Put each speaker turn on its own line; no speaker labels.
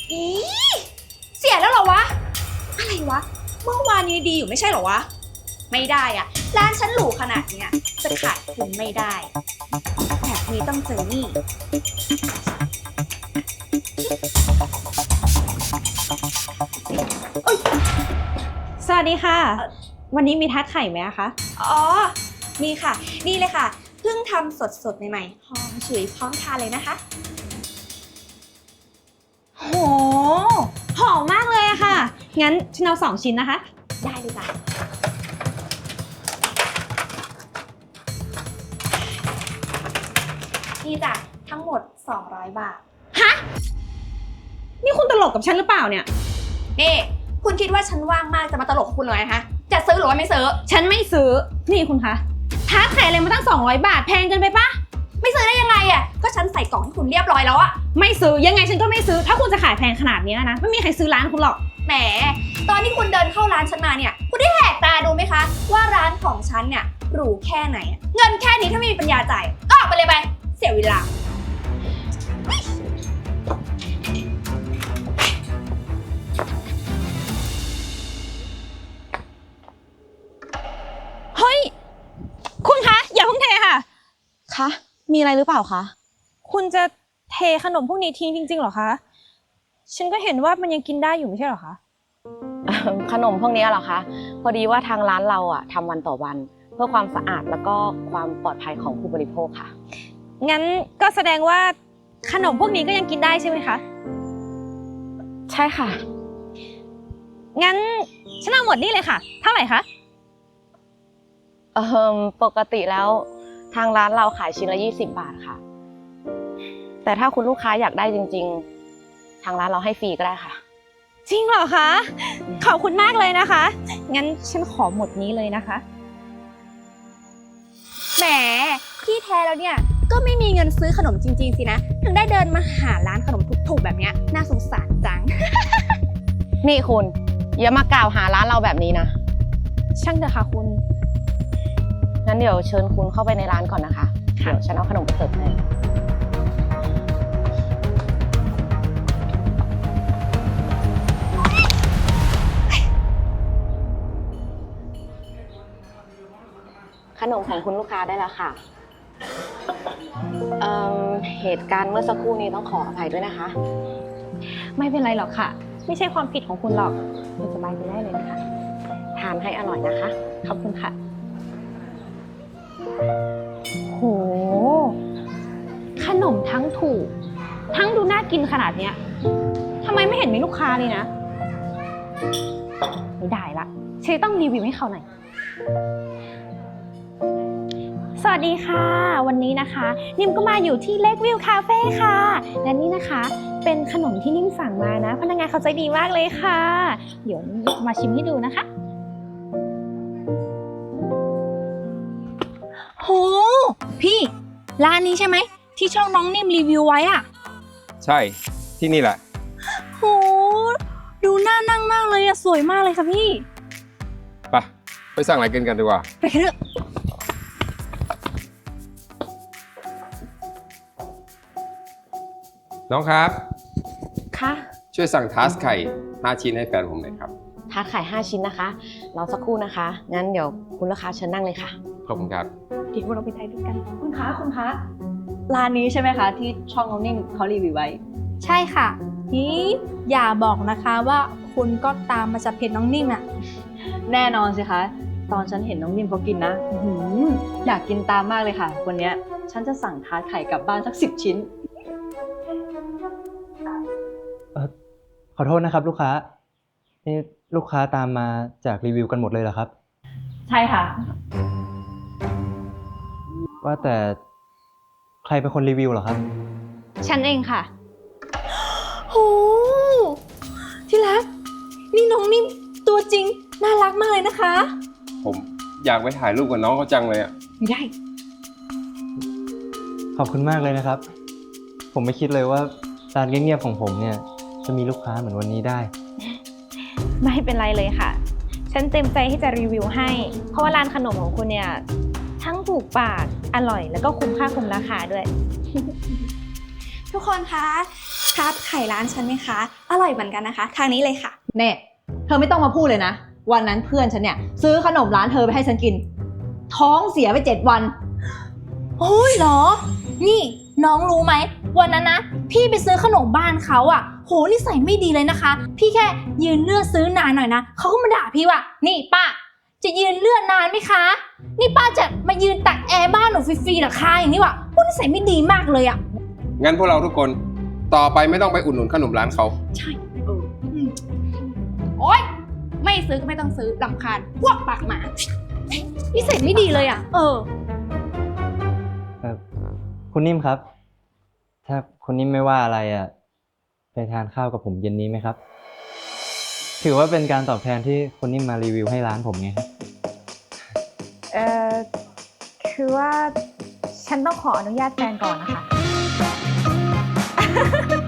อีเสียแล้วเหรอวะอะไรวะเมื่อวานนี้ดีอยู่ไม่ใช่เหรอวะไม่ได้อะร้านฉันหรูขนาดเนี้ยจะขายคุณไม่ได้แบบนี้ต้องเจอนี่
สวัสดีค่ะ วันนี้มีทาร์ตไข่ไหมคะ
อ๋อมีค่ะนี่เลยค่ะเพิ่งทำสดๆใหม่ๆหอมฉุยพร้อมทานเลยนะคะ
โหหอมมากเลยอะค่ะงั้นฉันเอา2 ชิ้นนะคะ
ได้เลยจ้ะนี่จ้ะทั้งหมด200 บาท
ฮะนี่คุณตลกกับฉันหรือเปล่าเนี่ย
นี่คุณคิดว่าฉันว่างมากจะมาตลกคุณเลยนะคะจะซื้อหรือว่าไม่ซื้อ
ฉันไม่ซื้อนี่คุณคะทาร์ตไข่อะไรมาตั้ง200 บาทแพงเกินไปปะ
ไม่ซื้อได้ยังไงอ่ะก็ฉันใส่กล่องให้คุณเรียบร้อยแล้วอะ
ไม่ซื้อยังไงฉันก็ไม่ซื้อถ้าคุณจะขายแพงขนาดนี้นะไม่มีใครซื้อร้านคุณหรอก
แหมตอนที่คุณเดินเข้าร้านฉันมาเนี่ยคุณได้แหกตาดูไหมคะว่าร้านของฉันเนี่ยหรูแค่ไหนเงินแค่นี้ถ้าไม่มีปัญญาจ่ายก็ออกไปเลยไปเสียเวลา
เฮ้ยคุณคะอย่าเพิ่งเทค่ะ
คะมีอะไรหรือเปล่าคะ
คุณจะเทขนมพวกนี้ทิ้งจริงๆเหรอคะฉันก็เห็นว่ามันยังกินได้อยู่ไม่ใช่เหรอคะ
ขนมพวกนี้เหรอคะพอดีว่าทางร้านเราอะทำวันต่อวันเพื่อความสะอาดแล้วก็ความปลอดภัยของผู้บริโภคค่ะ
งั้นก็แสดงว่าขนมพวกนี้ก็ยังกินได้ใช่ไหมคะ
ใช่ค่ะ
งั้นฉันเอาหมดนี่เลยค่ะเท่าไหร่คะ
ปกติแล้วทางร้านเราขายชิ้นละ20 บาทค่ะแต่ถ้าคุณลูกค้าอยากได้จริงๆทางร้านเราให้ฟรีก็ได้ค่ะ
จริงเหรอคะขอบคุณมากเลยนะคะงั้นฉันขอหมดนี้เลยนะคะ
แหมที่แท้แล้วเนี่ยก็ไม่มีเงินซื้อขนมจริงๆสินะถึงได้เดินมาหาร้านขนมถูกๆแบบเนี้ยน่าสงสารจัง
นี่คุณอย่ามากล่าวหาร้านเราแบบนี้นะ
ช่างเถอะค่ะคุณ
งั้นเดี๋ยวเชิญคุณเข้าไปในร้านก่อนนะคะเดี๋ยวฉันเอาขนมไปเสิร์ฟให้ขนมของคุณลูกค้าได้แล้วค่ะเหตุการณ์เมื่อสักครู่นี้ต้องขออภัยด้วยนะคะ
ไม่เป็นไรหรอกค่ะไม่ใช่ความผิดของคุณหรอกคุณสบายใจได้เลยนะคะ
ทานให้อร่อยนะคะ
ขอบคุณค่ะโหขนมทั้งถูกทั้งดูน่ากินขนาดเนี้ยทำไมไม่เห็นมีลูกค้าเลยนะไม่ได้ละเชยต้องรีวิวให้เขาหน่อยสวัสดีค่ะวันนี้นะคะนิ่มก็มาอยู่ที่เล็กวิวคาเฟ่ค่ะและนี่นะคะเป็นขนมที่นิ่มสั่งมานะพนักงานเขาใจดีมากเลยค่ะเดี๋ยวมาชิมให้ดูนะคะ
โหพี่ร้านนี้ใช่ไหมที่ช่องน้องนิ่มรีวิวไว้อ่ะ
ใช่ที่นี่แหละ
โหดูน่านั่งมากเลยอะสวยมากเลยค่ะพี่
ไปสั่งอะไรกันดีกว่า
ไปกันเถอะ
น้องครับ
ค่ะ
ช่วยสั่งทาสไข่5 ชิ้นให้แฟนผมหน่อยครับ
ทาร์ตไข่5 ชิ้นนะคะรอสักครู่นะคะงั้นเดี๋ยวคุณลูกค้าเชิญนั่งเลยค่ะ
ขอบคุณครับ
เดี๋ยวเราไปถ่ายรูปกัน
คุณคะร้านนี้ใช่ไหมคะที่ช่องน้องนิ่มเขารีวิวไว้
ใช่ค่ะนี่อย่าบอกนะคะว่าคุณก็ตามมาจากเพจน้องนิ่มอ่ะ
แน่นอนสิคะตอนฉันเห็นน้องนิ่มเขากินนะอยากกินตามมากเลยค่ะวันนี้ฉันจะสั่งทาร์ตไข่กลับบ้านสัก10 ชิ้น
ขอโทษนะครับลูกค้านี่ลูกค้าตามมาจากรีวิวกันหมดเลยเหรอครับ
ใช่ค่ะ
ว่าแต่ใครเป็นคนรีวิวเหรอครับ
ฉันเองค่ะ
โหที่รักนี่น้องนิ่มตัวจริงน่ารักมากเลยนะคะ
ผมอยากไปถ่ายรูปกับน้องเขาจังเลยอ่ะ
ไม่ได้
ขอบคุณมากเลยนะครับผมไม่คิดเลยว่าร้านเงียบๆของผมเนี่ยจะมีลูกค้าเหมือนวันนี้ได้
ไม่เป็นไรเลยค่ะฉันเต็มใจที่จะรีวิวให้เพราะว่าร้านขนมของคุณเนี่ยทั้งถูกปากอร่อยแล้วก็คุ้มค่าคุ้มราคาด้วย
ทุกคนคะขาร์ตไข่ร้านฉันไหมคะ อร่อยเหมือนกันนะคะ ทางนี้เลยค่ะ
เน่เธอไม่ต้องมาพูดเลยนะ วันนั้นเพื่อนฉันเนี่ยซื้อขนมร้านเธอไปให้ฉันกิน ท้องเสียไป7 วัน
โอ้ยเหรอ นี่น้องรู้ไหมวันนั้นนะพี่ไปซื้อขนมบ้านเขาอ่ะโหนิสัยไม่ดีเลยนะคะ พี่แค่ยืนเลือกซื้อนานหน่อยนะเขาก็มาด่าพี่ว่านี่ป้าจะยืนเลือกนานไหมคะ นี่ป้าจะมายืนตักแอร์บ้านหนูฟรีๆเหรอคะอย่างนี้วะโหนิสัยไม่ดีมากเลยอ่ะ
งั้นพวกเราทุกคนต่อไปไม่ต้องไปอุดหนุนขนมร้านเขา
โอ๊ย ไม่ซื้อก็ไม่ต้องซื้อรำคาญพวกปากหมานิสัยไม่ดีเลยอ่ะ
คุณนิ่มครับ ถ้าคุณนิ่มไม่ว่าอะไรอ่ะ ไปทานข้าวกับผมเย็นนี้ไหมครับ ถือว่าเป็นการตอบแทนที่คุณนิ่มมารีวิวให้ร้านผมไงครับ
คือว่าฉันต้องขออนุญาตแฟนก่อนนะคะ